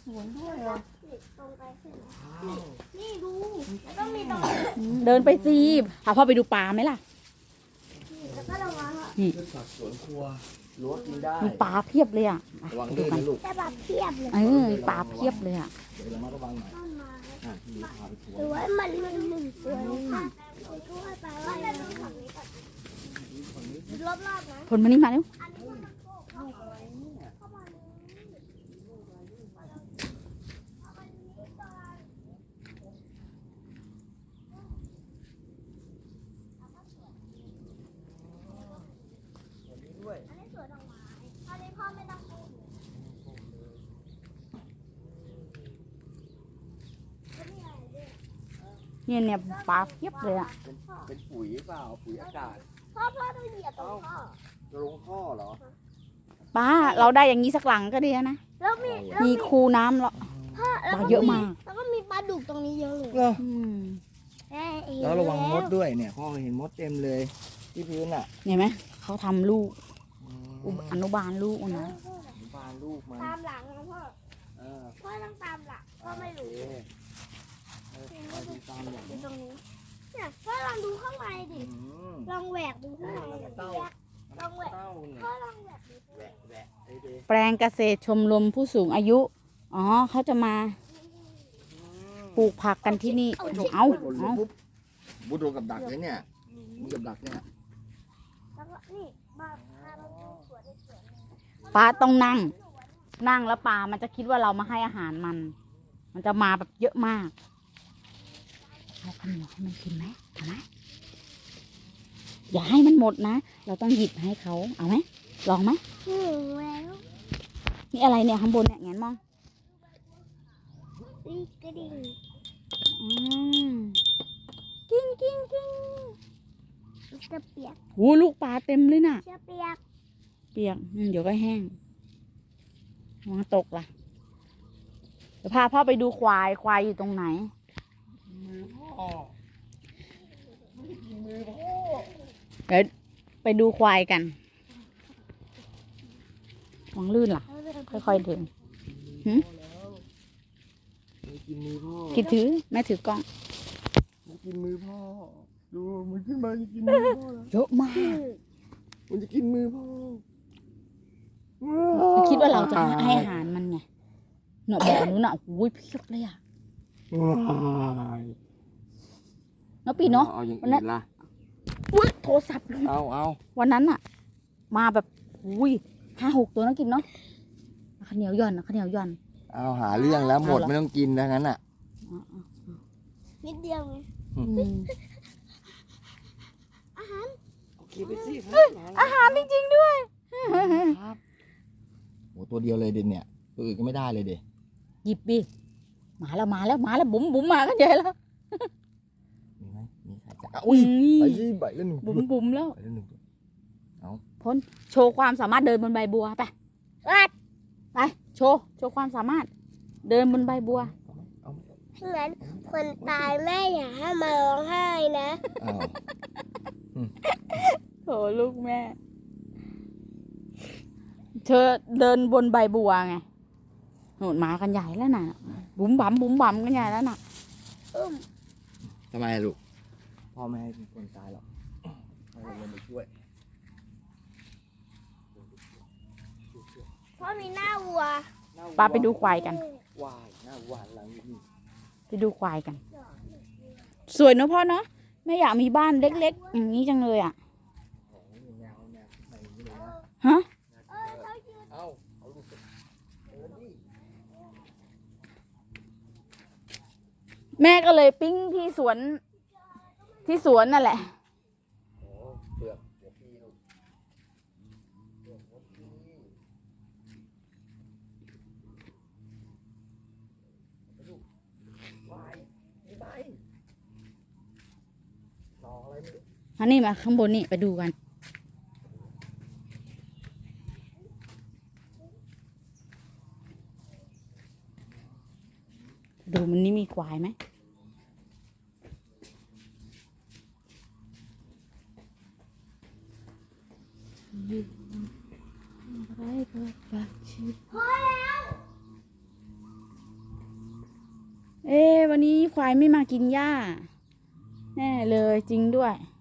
หมุนด้วยเหรอตรงไปใช่ไหมนี่ดูแล้วก็มีตรงเดินไปสิพาพ่อไปดูปลาไหมล่ะแล้วก็ลงมานี่พืชผักสวนครัวรั้วกินได้มีปลาเพียบเลยอ่ะระวังดูลื่นกันนะลูกแต่แบบเทียบเลยมีปลาเพียบเลยอ่ะเดี๋ยวเรามาระวังหน่อยต้นไม้พี่พาไปทัวหรือร์ว่ามันหนึ่งตัวนี้ค่ะช่วยไปว่าจะดูฝั่งนี้ก่อนรอบๆนะผลมานี่มาเร็วอันนี้มันโค้งเข้ามาอันนี้สวนดอกไม้อันนี้พ่อไม่ต้องปลูกเนี่ยปลาเพียบเลยอ่ะเป็นปุ๋ยเปล่าปุ๋ยอากาศพ่อต้องเหยียบตรงพ่อจะลงท่อเหรอป้าเราได้อย่างนี้สักหลังก็ดีนะแล้วมีมีคูน้ำแล้วพ่อปลาเยอะมากแล้วก็มีปลาดุกตรงนี้เยอะเลยอืมแล้วระวังมดด้วยเนี่ยพ่อเห็นมดเต็มเลยที่พื้นอ่ะเห็นไหมเขาทำลูกอนุบาลลูกนะบานลูกมันตามหลังนะพ่อเออพ่อต้องตามหลังพ่อไม่รู้โอเคไปดูตามอย่างอยู่ตรงนี้เนี่ยพ่อลองดูข้างในดิ ลองแหวกดูข้างในดิลองแหวกเต้าเนี่ยพ่อลองแหวกดูแหวะแหวะไอ้เด็กแปลงเกษตรชมรมผู้สูงอายุ อ๋อเขาจะมาปลูกผักกันที่นี่ เอาบูโดนกับดักเลยเนี่ยมีกับดักเนี่ยแล้วก็นี่มาพาเราดูสวนในสวนปลาต้องนั่ง นั่งแล้วปลามันจะคิดว่าเรามาให้อาหารมัน มันจะมาแบบเยอะมากเอาขนมให้มันกินไหมเอาไหมอย่าให้มันหมดนะ เราต้องหยิบให้เขาเอาไหมลองไหมแล้วนี่อะไรเนี่ยข้างบนเนี่ยแงนมองนี่กระดิ่งอืมกิ้งกิ้งกิ้งจะเปียกโอ้ลูกปลาเต็มเลยน่ะจะเปียกเปียกเดี๋ยวก็แห้งระวังตกล่ะเดี๋ยวพาพ่อไปดูควายควายอยู่ตรงไหนมือพ่อไม่ได้กินมือพ่อเดี๋ยวไปดูควายกันวางลื่นล่ะ ค่อยๆเดินไม่กินมือพ่อคิดถือแม่ถือกล้องมันกินมือพ่อดูมันขึ้นมาจะกินมือพ่อแล้วเยอะมากมันจะกินมือพ่อมันคิดว่าเราจะให้อาหารมันไงเนาะแบบนู้นน่ะโอ้ยเพียบเลยอ่ะว้ายเนาะปีเนาะเอาอย่างวันนั้อื่นนล่ะอุ้ยโทรศัพท์เลยเอาวันนั้นอ่ะ มาแบบอุ้ย5-6 ตัวนะกินเนาะข้าวเหนียวหย่อนข้าวเหนียวหย่อนเอาหาเรื่องแล้วหมดเอาเหรอไม่ต้องกินแล้วงั้นอ่ะนิดเดียวไงอืมโอเคไปสิครับอาหารจริงๆด้วยครับโอ้ตัวเดียวเลยเด่นเนี่ยตัวอื่นก็ไม่ได้เลยเด่นหยิบดิมาแล้วบุ๋มมากันใหญ่แล้วมีไหมมีใครจะอุ้ยไปสิใบละหนึ่งบุ๋มแล้วใบละหนึ่งพ้นโชว์ความสามารถเดินบนใบบัวไปไปโชว์ความสามารถ เดินบนใบบัวเอาไหมงั้นคนตายแม่อย่าให้มาร้องไห้นะเอาโถลูกแม่ เธอเดินบนใบบัวไงโหนมากันใหญ่แล้วน่ะ บุ๋มบั๋มกันใหญ่แล้วน่ะทำไมลูกพ่อไม่ให้คนตายหรอกให้เราลงไปช่วยเพราะมีหน้าวัวปาไปดูควายกันวายหน้าหวานหลังนี่ไปดูควายกัน สวยเนอะพ่อเนาะไม่อยากมีบ้านเล็กๆอย่างนี้จังเลยอ่ะโอ้ยแนวไหนนี่เลยนะฮะเอาลูกเดินดิแม่ก็เลยปิ้งที่สวนนั่นแหละโอ้เปลือกเดี๋ยวพี่ลูกเปลือกมดพี่ไปลูกวายไม่ไปต่ออะไรไม่รู้อันนี้มาข้างบนนี่ไปดูกัน ดูมันนี่มีควายไหมวันนี้ควายไม่มากินหญ้า แน่เลยจริงด้วย